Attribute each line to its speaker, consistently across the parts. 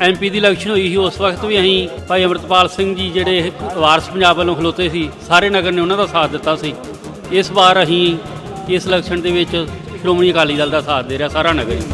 Speaker 1: MP ਦੀ election ਹੋਈ ਸੀ ਉਸ ਵਕਤ ਵੀ ਅਸੀਂ ਭਾਈ ਅਮਰਤਪਾਲ ਸਿੰਘ ਜੀ ਜਿਹੜੇ ਵਾਰਸ ਪੰਜਾਬ ਵੱਲੋਂ ਖਲੋਤੇ ਸੀ, ਸਾਰੇ ਨਗਰ ਨੇ ਉਹਨਾਂ ਦਾ ਸਾਥ ਦਿੱਤਾ ਸੀ। ਇਸ ਵਾਰ ਅਸੀਂ ਇਸ ਇਲੈਕਸ਼ਨ ਦੇ ਵਿੱਚ ਸ਼੍ਰੋਮਣੀ ਅਕਾਲੀ ਦਲ ਦਾ ਸਾਥ ਦੇ ਰਿਹਾ ਸਾਰਾ ਨਗਰ ਹੀ।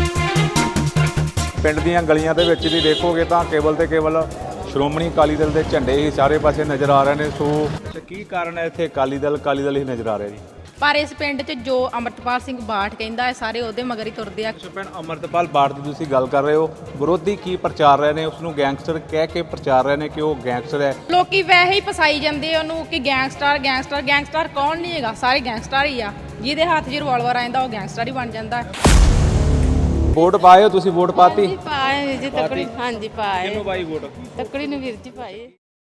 Speaker 2: ਪਿੰਡ ਦੀਆਂ ਗਲੀਆਂ ਦੇ ਵਿੱਚ ਵੀ ਦੇਖੋਗੇ ਤਾਂ ਕੇਵਲ ਤੇ ਕੇਵਲ ਸ਼੍ਰੋਮਣੀ ਅਕਾਲੀ ਦਲ ਦੇ ਝੰਡੇ ਹੀ ਸਾਰੇ ਪਾਸੇ ਨਜ਼ਰ ਆ ਰਹੇ ਨੇ। ਸੋ ਕੀ ਕਾਰਨ ਹੈ ਇੱਥੇ ਅਕਾਲੀ ਦਲ ਹੀ ਨਜ਼ਰ ਆ ਰਿਹਾ ਜੀ?
Speaker 3: ਪਰ ਇਸ ਪਿੰਡ 'ਚ ਜੋ ਅਮਰਤਪਾਲ ਸਿੰਘ ਬਾਠ ਕਹਿੰਦਾ ਹੈ ਸਾਰੇ ਉਹਦੇ ਮਗਰ ਹੀ ਤੁਰਦੇ ਆ।
Speaker 2: ਭੈਣ ਅਮਰਤਪਾਲ ਬਾਠ ਦੀ ਤੁਸੀਂ ਗੱਲ ਕਰ ਰਹੇ ਹੋ, ਵਿਰੋਧੀ ਕੀ ਪ੍ਰਚਾਰ ਰਹੇ ਨੇ? ਉਸ ਨੂੰ ਗੈਂਗਸਟਰ ਕਹਿ ਕੇ ਪ੍ਰਚਾਰ ਰਹੇ ਨੇ ਕਿ ਉਹ ਗੈਂਗਸਟਰ ਹੈ।
Speaker 3: ਲੋਕੀ ਵੈਸੇ ਹੀ ਫਸਾਈ ਜਾਂਦੇ ਆ ਉਹਨੂੰ ਕਿ ਗੈਂਗਸਟਰ ਕੌਣ ਨਹੀਂ ਹੈਗਾ, ਸਾਰੇ ਗੈਂਗਸਟਰ ਹੀ ਆ। ਜਿਹਦੇ ਹੱਥ 'ਚ ਰਿਵਾਲਵਰ ਆਂਦਾ ਉਹ ਗੈਂਗਸਟਰ ਹੀ ਬਣ ਜਾਂਦਾ ਹੈ।
Speaker 2: ਵੋਟ ਪਾਏ ਹੋ ਤੁਸੀਂ? ਵੋਟ ਪਾਤੀ?
Speaker 4: ਪਾਏ ਜੀ ਤੱਕੜੀ। ਹਾਂਜੀ ਪਾਏ।
Speaker 2: ਕਿਹਨੂੰ ਪਾਈ ਵੋਟ?
Speaker 4: ਤੱਕੜੀ ਨੂੰ ਵੀਰ ਜੀ ਪਾਏ।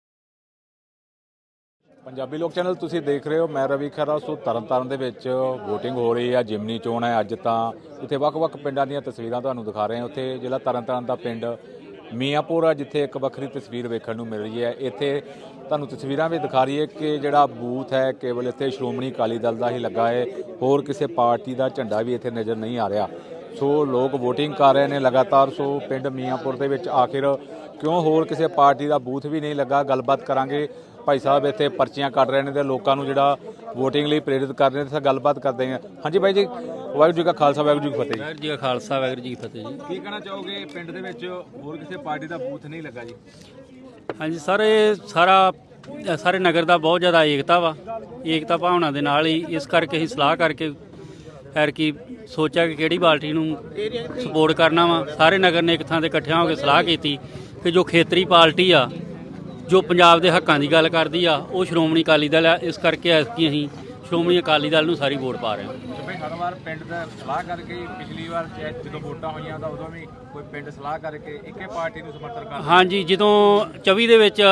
Speaker 2: ਪੰਜਾਬੀ ਲੋਕ ਚੈਨਲ ਤੁਸੀਂ ਦੇਖ ਰਹੇ ਹੋ, ਮੈਂ ਰਵੀ ਖਹਿਰਾ। ਸੋ ਤਰਨਤਾਰਨ ਦੇ ਵਿੱਚ VOTING ਹੋ ਰਹੀ ਹੈ, ਜਿਮਨੀ ਚੋਣ ਹੈ ਅੱਜ। ਤਾਂ ਇੱਥੇ ਵੱਖ-ਵੱਖ ਪਿੰਡਾਂ ਦੀਆਂ ਤਸਵੀਰਾਂ ਤੁਹਾਨੂੰ ਦਿਖਾ ਰਹੇ ਹਾਂ। ਉੱਥੇ ਜ਼ਿਲ੍ਹਾ ਤਰਨਤਾਰਨ ਦਾ ਪਿੰਡ ਮੀਆਂਪੁਰ ਆ, ਜਿੱਥੇ ਇੱਕ ਵੱਖਰੀ ਤਸਵੀਰ ਵੇਖਣ ਨੂੰ ਮਿਲ ਰਹੀ ਹੈ। ਇੱਥੇ ਤੁਹਾਨੂੰ ਤਸਵੀਰਾਂ ਵੀ ਦਿਖਾ ਰਹੀ ਹੈ ਕਿ ਜਿਹੜਾ ਬੂਥ ਹੈ ਕੇਵਲ ਇੱਥੇ ਸ਼੍ਰੋਮਣੀ ਅਕਾਲੀ ਦਲ ਦਾ ਹੀ ਲੱਗਾ ਹੈ, ਹੋਰ ਕਿਸੇ ਪਾਰਟੀ ਦਾ ਝੰਡਾ ਵੀ ਇੱਥੇ ਨਜ਼ਰ ਨਹੀਂ ਆ ਰਿਹਾ। ਸੋ ਲੋਕ VOTING ਕਰ ਰਹੇ ਨੇ ਲਗਾਤਾਰ। ਸੋ ਪਿੰਡ ਮੀਆਂਪੁਰ ਦੇ ਵਿੱਚ ਆਖਿਰ ਕਿਉਂ ਹੋਰ ਕਿਸੇ ਪਾਰਟੀ ਦਾ ਬੂਥ ਵੀ ਨਹੀਂ ਲੱਗਾ, ਗੱਲਬਾਤ ਕਰਾਂਗੇ। ਭਾਈ ਸਾਹਿਬ ਇੱਥੇ ਪਰਚੀਆਂ ਕੱਢ ਰਹੇ ਨੇ ਤੇ ਲੋਕਾਂ ਨੂੰ ਜਿਹੜਾ VOTING ਲਈ ਪ੍ਰੇਰਿਤ ਕਰ ਰਹੇ ਨੇ। ਤਾਂ ਗੱਲਬਾਤ ਕਰਦੇ ਹਾਂ। ਹਾਂਜੀ ਭਾਈ ਜੀ, ਵਾਹਿਗੁਰੂ ਜੀ ਕਾ ਖਾਲਸਾ ਵਾਹਿਗੁਰੂ ਜੀ ਕੀ ਫਤਿਹ।
Speaker 1: ਵਾਹਿਗੁਰੂ ਜੀ ਕਾ ਖਾਲਸਾ ਵਾਹਿਗੁਰੂ ਜੀ ਕੀ ਫਤਿਹ ਜੀ।
Speaker 2: ਕੀ ਕਹਿਣਾ ਚਾਹੋਗੇ, ਪਿੰਡ ਦੇ ਵਿੱਚ ਹੋਰ ਕਿਸੇ ਪਾਰਟੀ ਦਾ ਬੂਥ ਨਹੀਂ ਲੱਗਾ ਜੀ?
Speaker 1: ਹਾਂਜੀ ਸਰ, ਇਹ ਸਾਰੇ ਨਗਰ ਦਾ ਬਹੁਤ ਜ਼ਿਆਦਾ ਏਕਤਾ ਭਾਵਨਾ ਦੇ ਨਾਲ ਹੀ ਇਸ ਕਰਕੇ ਅਸੀਂ ਸਲਾਹ ਕਰਕੇ ਫਿਰ ਕੀ ਸੋਚਿਆ ਕਿ ਕਿਹੜੀ ਪਾਰਟੀ ਨੂੰ ਸਪੋਰਟ ਕਰਨਾ ਵਾ। ਸਾਰੇ ਨਗਰ ਨੇ ਇੱਕ ਥਾਂ ਤੇ ਇਕੱਠਿਆਂ ਹੋ ਕੇ ਸਲਾਹ ਕੀਤੀ ਕਿ ਜੋ ਖੇਤਰੀ ਪਾਰਟੀ ਆ, ਜੋ ਪੰਜਾਬ ਦੇ ਹੱਕਾਂ ਦੀ ਗੱਲ ਕਰਦੀ ਆ, ਉਹ ਸ਼੍ਰੋਮਣੀ ਅਕਾਲੀ ਦਲ ਆ। ਇਸ ਕਰਕੇ ਐਤਕੀ ਅਸੀਂ ਸ਼੍ਰੋਮਣੀ ਅਕਾਲੀ ਦਲ ਨੂੰ ਸਾਰੀ ਵੋਟ ਪਾ ਰਹੇ ਹਾਂ।
Speaker 2: ਭਾਈ ਹਰ ਵਾਰ ਪਿੰਡ ਦਾ ਸਲਾਹ ਕਰਕੇ, ਪਿਛਲੀ ਵਾਰ ਜਦੋਂ ਵੋਟਾਂ ਹੋਈਆਂ ਤਾਂ ਉਦੋਂ ਵੀ ਕੋਈ ਪਿੰਡ ਸਲਾਹ ਕਰਕੇ ਇੱਕੇ ਪਾਰਟੀ ਨੂੰ ਸਮਰਥਨ ਕਰਦਾ?
Speaker 1: ਹਾਂਜੀ, ਜਦੋਂ 24 ਦੇ ਵਿੱਚ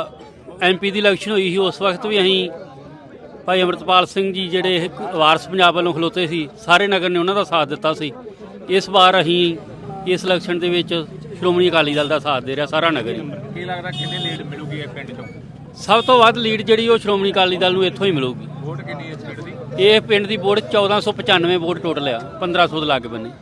Speaker 1: MP ਦੀ ਇਲੈਕਸ਼ਨ ਹੋਈ ਸੀ ਉਸ ਵਕਤ ਵੀ ਅਸੀਂ ਭਾਈ ਅਮਰਤਪਾਲ ਸਿੰਘ ਜੀ ਜਿਹੜੇ ਵਾਰਸ ਪੰਜਾਬ ਵੱਲੋਂ ਖਲੋਤੇ ਸੀ, ਸਾਰੇ ਨਗਰ ਨੇ ਉਹਨਾਂ ਦਾ ਸਾਥ ਦਿੱਤਾ ਸੀ। ਇਸ ਵਾਰ ਅਸੀਂ ਇਸ ਇਲੈਕਸ਼ਨ ਦੇ ਵਿੱਚ ਸ਼੍ਰੋਮਣੀ ਅਕਾਲੀ ਦਲ ਦਾ ਸਾਥ ਦੇ ਰਿਹਾ ਸਾਰਾ ਨਗਰ ਹੀ।
Speaker 2: ਕੀ ਲੱਗਦਾ ਕਿੰਨੀ ਲੀਡ ਮਿਲੂਗੀ ਇਹ ਪਿੰਡ ਚੋਂ?
Speaker 1: ਸਭ ਤੋਂ ਵੱਧ ਲੀਡ ਜਿਹੜੀ ਉਹ ਸ਼੍ਰੋਮਣੀ ਅਕਾਲੀ ਦਲ ਨੂੰ ਇੱਥੋਂ ਹੀ ਮਿਲੂਗੀ।
Speaker 2: ਵੋਟ ਕਿੰਨੀ ਹੈ ਇਸ ਪਿੰਡ ਦੀ?
Speaker 1: ਇਹ ਪਿੰਡ ਦੀ ਵੋਟ 1495 ਵੋਟ ਟੋਟਲ ਆ, 1500 ਦੇ ਲਾਗੇ ਬੰਨੇ।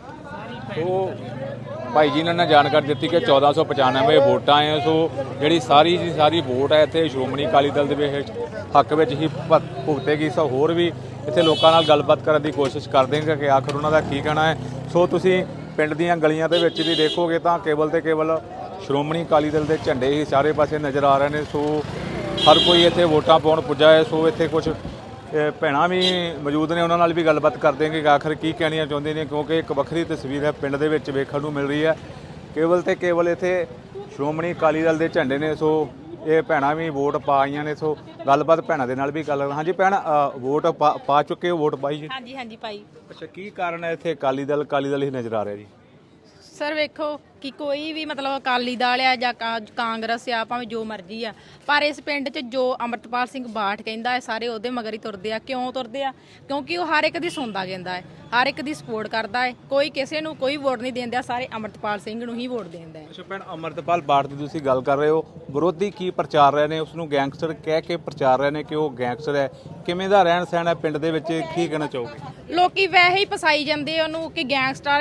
Speaker 2: ਸੋ ਭਾਈ ਜੀ ਨੇ ਜਾਣਕਾਰੀ ਦਿੱਤੀ ਕਿ 1495 ਵੋਟਾਂ ਹੈ। ਸੋ ਜਿਹੜੀ ਸਾਰੀ ਵੋਟ ਹੈ ਇੱਥੇ ਸ਼੍ਰੋਮਣੀ ਅਕਾਲੀ ਦਲ ਦੇ ਵਿੱਚ ਹੱਕ ਵਿੱਚ ਹੀ ਭੁਗਤੇਗੀ। ਸੋ ਹੋਰ ਵੀ ਇੱਥੇ ਲੋਕਾਂ ਨਾਲ ਗੱਲਬਾਤ ਕਰਨ ਦੀ ਕੋਸ਼ਿਸ਼ ਕਰਦੇ ਹਾਂ ਕਿ ਆਖਰ ਉਹਨਾਂ ਦਾ ਕੀ ਕਹਿਣਾ ਹੈ। ਸੋ ਤੁਸੀਂ ਪਿੰਡ ਦੀਆਂ ਗਲੀਆਂ ਦੇ ਵਿੱਚ ਵੀ ਦੇਖੋਗੇ ਤਾਂ ਕੇਵਲ ਤੇ ਕੇਵਲ ਸ਼੍ਰੋਮਣੀ ਅਕਾਲੀ ਦਲ ਦੇ ਝੰਡੇ ਹੀ ਸਾਰੇ ਪਾਸੇ ਨਜ਼ਰ ਆ ਰਹੇ ਨੇ। ਸੋ ਹਰ ਕੋਈ ਇੱਥੇ ਵੋਟਾਂ ਪਾਉਣ ਪੁੱਜਾ ਹੈ। ਸੋ ਇੱਥੇ ਕੁਝ ਭੈਣਾਂ ਵੀ ਮੌਜੂਦ ਨੇ, ਉਹਨਾਂ ਨਾਲ ਵੀ ਗੱਲਬਾਤ ਕਰਦੇ ਹਾਂ ਕਿ ਆਖਰ ਕੀ ਕਹਿਣੀਆਂ ਚਾਹੁੰਦੇ ਨੇ, ਕਿਉਂਕਿ ਇੱਕ ਵੱਖਰੀ ਤਸਵੀਰ ਹੈ ਪਿੰਡ ਦੇ ਵਿੱਚ ਵੇਖਣ ਨੂੰ ਮਿਲ ਰਹੀ ਹੈ। ਕੇਵਲ ਤੇ ਕੇਵਲ ਇੱਥੇ ਸ਼੍ਰੋਮਣੀ ਅਕਾਲੀ ਦਲ ਦੇ ਝੰਡੇ ਨੇ। ਸੋ ਇਹ ਭੈਣਾਂ ਵੀ ਵੋਟ ਪਾਈਆਂ ਨੇ। ਸੋ ਗੱਲਬਾਤ ਭੈਣਾਂ ਦੇ ਨਾਲ ਵੀ ਕਰ ਲਾਂਗੇ। ਹਾਂਜੀ ਭੈਣ, ਵੋਟ ਪਾ ਚੁੱਕੇ ਹੋ? ਵੋਟ ਪਾਈ ਜੀ?
Speaker 3: ਹਾਂਜੀ ਪਾਈ।
Speaker 2: ਅੱਛਾ, ਕੀ ਕਾਰਨ ਹੈ ਇੱਥੇ ਅਕਾਲੀ ਦਲ ਹੀ ਨਜ਼ਰ ਆ ਰਿਹਾ ਜੀ?
Speaker 3: ਸਰ ਵੇਖੋ ਕਿ ਕੋਈ ਵੀ ਮਤਲਬ ਅਕਾਲੀ ਦਲ ਆ ਜਾਂ ਕਾਂਗਰਸ ਆ, ਭਾਵੇਂ ਜੋ ਮਰਜ਼ੀ ਆ, ਪਰ ਇਸ ਪਿੰਡ 'ਚ ਜੋ ਅਮਰਤਪਾਲ ਸਿੰਘ ਬਾਠ ਕਹਿੰਦਾ ਹੈ ਸਾਰੇ ਉਹਦੇ ਮਗਰ ਹੀ ਤੁਰਦੇ ਆ। ਕਿਉਂ ਤੁਰਦੇ ਆ? ਕਿਉਂਕਿ ਉਹ ਹਰ ਇੱਕ ਦੀ ਸੁਣਦਾ ਕਹਿੰਦਾ ਹੈ, ਹਰ ਇੱਕ ਦੀ ਸਪੋਰਟ ਕਰਦਾ ਹੈ। ਕੋਈ ਕਿਸੇ ਨੂੰ ਕੋਈ ਵੋਟ ਨਹੀਂ ਦਿੰਦਾ, ਸਾਰੇ ਅਮਰਤਪਾਲ ਸਿੰਘ ਨੂੰ ਹੀ ਵੋਟ ਦਿੰਦਾ ਹੈ।
Speaker 2: ਅੱਛਾ ਭੈਣ, ਅਮਰਤਪਾਲ ਬਾਠ ਦੀ ਤੁਸੀਂ ਗੱਲ ਕਰ ਰਹੇ ਹੋ, ਵਿਰੋਧੀ ਕੀ ਪ੍ਰਚਾਰ ਰਹੇ ਨੇ? ਉਸ ਨੂੰ ਗੈਂਗਸਟਰ ਕਹਿ ਕੇ ਪ੍ਰਚਾਰ ਰਹੇ ਨੇ ਕਿ ਉਹ ਗੈਂਗਸਟਰ ਹੈ। ਕਿਵੇਂ ਦਾ ਰਹਿਣ ਸਹਿਣ ਹੈ ਪਿੰਡ ਦੇ ਵਿੱਚ, ਕੀ ਕਹਿਣਾ ਚਾਹੋਗੇ?
Speaker 3: ਲੋਕੀ ਵੈਸੇ ਹੀ ਫਸਾਈ ਜਾਂਦੇ ਆ ਉਹਨੂੰ ਕਿ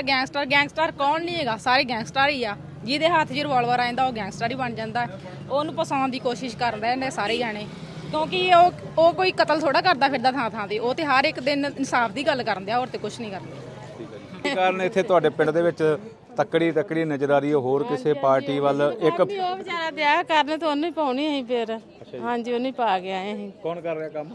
Speaker 3: ਗੈਂਗਸਟਰ ਕੌਣ ਨਹੀਂ ਹੈਗਾ, ਸਾਰੇ ਗੈਂਗਸਟਰ ਹੀ ਆ। ਜਿਹਦੇ ਹੱਥ 'ਚ ਰਿਵਾਲਵਰ ਆਂਦਾ ਉਹ ਗੈਂਗਸਟਰ ਹੀ ਬਣ ਜਾਂਦਾ ਹੈ। ਉਹਨੂੰ ਫਸਾਉਣ ਦੀ ਕੋਸ਼ਿਸ਼ ਕਰ ਰਹੇ ਨੇ ਸਾਰੇ ਜਾਣੇ, ਕਿਉਂਕਿ ਉਹ ਕੋਈ ਕਤਲ ਥੋੜਾ ਕਰਦਾ ਫਿਰਦਾ ਥਾਂ ਤੇ। ਉਹ ਤੇ ਹਰ ਇੱਕ ਦਿਨ ਇਨਸਾਫ ਦੀ ਗੱਲ ਕਰਨ ਦਿਆ, ਹੋਰ ਤੇ ਕੁਝ ਨਹੀਂ ਕਰਦੇ।
Speaker 2: ਕੀ ਕਾਰਨ ਇੱਥੇ ਤੁਹਾਡੇ ਪਿੰਡ ਦੇ ਵਿੱਚ ਤੱਕੜੀ ਨਜ਼ਰ ਆ ਰਹੀ ਹੈ? ਹੋਰ ਕਿਸੇ ਪਾਰਟੀ ਵੱਲ ਇੱਕ
Speaker 4: ਉਹ ਵਿਚਾਰਾ ਦਿਆ ਕਰਨ ਤੇ ਉਹਨੂੰ ਹੀ ਪਾਉਣੀ ਅਸੀਂ ਫਿਰ। ਹਾਂਜੀ, ਉਹਨੂੰ ਪਾ ਕੇ ਆਏ ਅਸੀਂ।
Speaker 2: ਕੌਣ ਕਰ ਰਿਹਾ ਕੰਮ?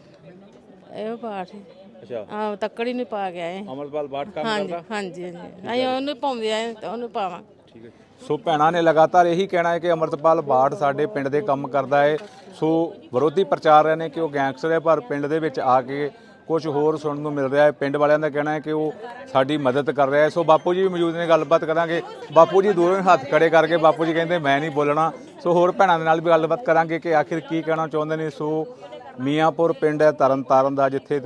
Speaker 4: ਇਹੋ ਪਾਠ।
Speaker 2: ਅੱਛਾ,
Speaker 4: ਆਹ ਤੱਕੜੀ ਨੂੰ ਪਾ ਕੇ ਆਏ।
Speaker 2: ਅਮਰਤਪਾਲ ਬਾਠ ਕੰਮ
Speaker 4: ਹਾਂਜੀ
Speaker 2: ਕਰਦਾ?
Speaker 4: ਹਾਂਜੀ ਅਸੀਂ ਉਹਨੂੰ ਪਾਉਂਦੇ ਆਏ ਤੇ ਉਹਨੂੰ ਪਾਵਾਂ।
Speaker 2: ਠੀਕ ਹੈ। ਸੋ ਭੈਣਾਂ ਨੇ ਲਗਾਤਾਰ ਇਹੀ ਕਹਿਣਾ ਹੈ ਕਿ ਅਮਰਤਪਾਲ ਬਾਠ ਸਾਡੇ ਪਿੰਡ ਦੇ ਕੰਮ ਕਰਦਾ ਹੈ। ਸੋ ਵਿਰੋਧੀ ਪ੍ਰਚਾਰ ਰਹੇ ਨੇ ਕਿ ਉਹ ਗੈਂਗਸਟਰ ਹੈ, ਪਰ ਪਿੰਡ ਦੇ ਵਿੱਚ ਆ ਕੇ ਕੁਝ ਹੋਰ ਸੁਣਨ ਨੂੰ ਮਿਲ ਰਿਹਾ ਹੈ। ਪਿੰਡ ਵਾਲਿਆਂ ਦਾ ਕਹਿਣਾ ਹੈ ਕਿ ਉਹ ਸਾਡੀ ਮਦਦ ਕਰ ਰਿਹਾ ਹੈ। ਸੋ ਬਾਪੂ ਜੀ ਵੀ ਮੌਜੂਦ ਨੇ, ਗੱਲਬਾਤ ਕਰਾਂਗੇ। ਬਾਪੂ ਜੀ ਦੂਰੋਂ ਹੱਥ ਖੜੇ ਕਰਕੇ ਬਾਪੂ ਜੀ ਕਹਿੰਦੇ ਮੈਂ ਨਹੀਂ ਬੋਲਣਾ। ਸੋ ਹੋਰ ਭੈਣਾਂ ਦੇ ਨਾਲ ਵੀ ਗੱਲਬਾਤ ਕਰਾਂਗੇ ਕਿ ਆਖਿਰ ਕੀ ਕਹਿਣਾ ਚਾਹੁੰਦੇ ਨੇ। ਸੋ ਮੀਆਂਪੁਰ ਪਿੰਡ ਹੈ ਤਰਨਤਾਰਨ ਦਾ, ਜਿੱਥੇ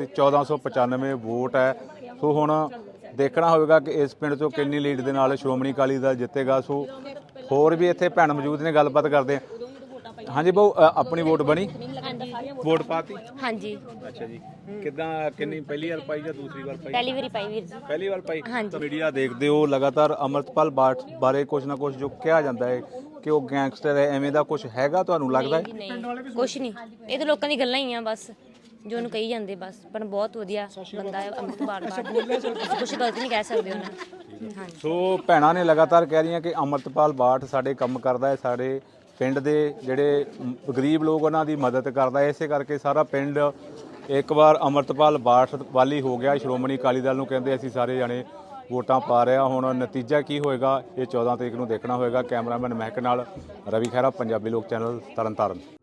Speaker 2: 1495 ਵੋਟ ਹੈ। ਸੋ ਹੁਣ ਦੇਖਣਾ ਹੋਵੇਗਾ ਕਿ ਇਸ ਪਿੰਡ 'ਚੋਂ ਕਿੰਨੀ ਲੀਡ ਦੇ ਨਾਲ ਸ਼੍ਰੋਮਣੀ ਅਕਾਲੀ ਦਲ ਜਿੱਤੇਗਾ। ਸੋ ਹੋਰ ਵੀ ਇੱਥੇ ਭੈਣ ਮੌਜੂਦ ਨੇ, ਗੱਲਬਾਤ ਕਰਦੇ ਹਾਂ। ਹਾਂਜੀ ਬਹੁ, ਆਪਣੀ ਵੋਟ ਬਣੀ? ਵੋਟ ਪਾਤੀ?
Speaker 5: ਹਾਂਜੀ।
Speaker 2: ਅੱਛਾ ਜੀ, ਕਿੱਦਾਂ ਕਿੰਨੀ ਪਹਿਲੀ ਵਾਰ ਪਾਈ ਜਾਂ ਦੂਸਰੀ ਵਾਰ ਪਾਈ?
Speaker 5: ਪਹਿਲੀ ਵਾਰੀ ਪਾਈ ਵੀਰ ਜੀ।
Speaker 2: ਪਹਿਲੀ ਵਾਰ ਪਾਈ।
Speaker 5: ਹਾਂਜੀ।
Speaker 2: ਮੀਡੀਆ ਦੇਖਦੇ ਹੋ ਲਗਾਤਾਰ ਅਮਰਤਪਾਲ ਬਾਰੇ ਕੁਝ ਨਾ ਕੁਝ ਜੋ ਕਿਹਾ ਜਾਂਦਾ ਹੈ ਕਿ ਉਹ ਗੈਂਗਸਟਰ ਹੈ, ਐਵੇਂ ਦਾ ਕੁਝ ਹੈਗਾ ਤੁਹਾਨੂੰ ਲੱਗਦਾ ਹੈ?
Speaker 5: ਨਹੀਂ ਕੁਛ ਨਹੀਂ, ਇਹ ਤਾਂ ਲੋਕਾਂ ਦੀ ਗੱਲਾਂ ਹੀ ਆ ਬਸ, ਜੋ ਉਹਨੂੰ ਕਹੀ ਜਾਂਦੇ ਬਸ। ਪਰ ਬਹੁਤ ਵਧੀਆ ਬੰਦਾ ਹੈ ਅੰਮ੍ਰਿਤਪਾਲ ਬਾਠ, ਕੁਝ ਗਲਤ ਨਹੀਂ ਕਹਿ ਸਕਦੇ ਉਹਨਾਂ। ਹਾਂਜੀ।
Speaker 2: ਸੋ ਭੈਣਾਂ ਨੇ ਲਗਾਤਾਰ ਕਹਿ ਰਹੀਆਂ ਕਿ ਅਮਰਤਪਾਲ ਬਾਠ ਸਾਡੇ ਕੰਮ ਕਰਦਾ ਹੈ, ਸਾਡੇ ਪਿੰਡ ਦੇ ਜਿਹੜੇ ਗਰੀਬ ਲੋਕ ਉਹਨਾਂ ਦੀ ਮਦਦ ਕਰਦਾ ਹੈ, ਇਸੇ ਕਰਕੇ ਸਾਰਾ ਪਿੰਡ ਇੱਕ ਵਾਰ ਅਮਰਤਪਾਲ ਬਾਠ ਵਾਲੀ ਹੋ ਗਿਆ। ਸ਼੍ਰੋਮਣੀ ਅਕਾਲੀ ਦਲ ਨੂੰ ਕਹਿੰਦੇ ਅਸੀਂ ਸਾਰੇ ਜਾਣੇ ਵੋਟਾਂ ਪਾ ਰਹੇ ਹਾਂ। ਹੁਣ ਨਤੀਜਾ ਕੀ ਹੋਏਗਾ ਇਹ 14 ਤਰੀਕ ਨੂੰ ਦੇਖਣਾ ਹੋਏਗਾ। ਕੈਮਰਾਮੈਨ ਮਹਿਕ ਨਾਲ ਰਵੀ ਖਹਿਰਾ, ਪੰਜਾਬੀ ਲੋਕ ਚੈਨਲ, ਤਰਨਤਾਰਨ।